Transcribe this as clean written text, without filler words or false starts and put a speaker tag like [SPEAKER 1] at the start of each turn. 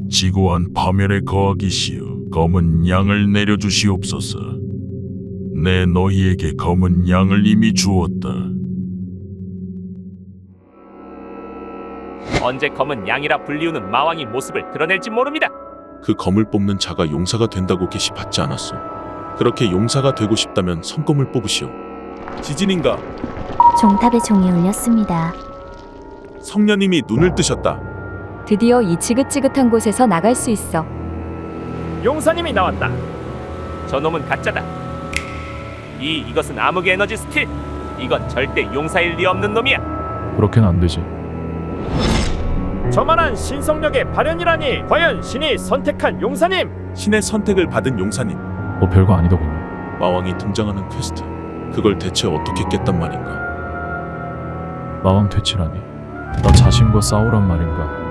[SPEAKER 1] 지고한 파멸에 거하기 시어 검은 양을 내려주시옵소서. 내 너희에게 검은 양을 이미 주었다.
[SPEAKER 2] 언제 검은 양이라 불리우는 마왕이 모습을 드러낼지 모릅니다.
[SPEAKER 3] 그 검을 뽑는 자가 용사가 된다고 게시받지 않았소. 그렇게 용사가 되고 싶다면 성검을 뽑으시오. 지진인가?
[SPEAKER 4] 종탑에 종이 울렸습니다.
[SPEAKER 3] 성녀님이 눈을 뜨셨다.
[SPEAKER 5] 드디어 이 지긋지긋한 곳에서 나갈 수 있어.
[SPEAKER 2] 용사님이 나왔다. 저놈은 가짜다. 이것은 암흑의 에너지 스킬. 이건 절대 용사일 리 없는 놈이야.
[SPEAKER 6] 그렇게는 안 되지.
[SPEAKER 2] 저만한 신성력의 발현이라니. 과연 신이 선택한 용사님?
[SPEAKER 3] 신의 선택을 받은 용사님.
[SPEAKER 6] 뭐 별거 아니더군요.
[SPEAKER 3] 마왕이 등장하는 퀘스트. 그걸 대체 어떻게 깼단 말인가?
[SPEAKER 6] 마왕 퇴치라니. 나 자신과 싸우란 말인가?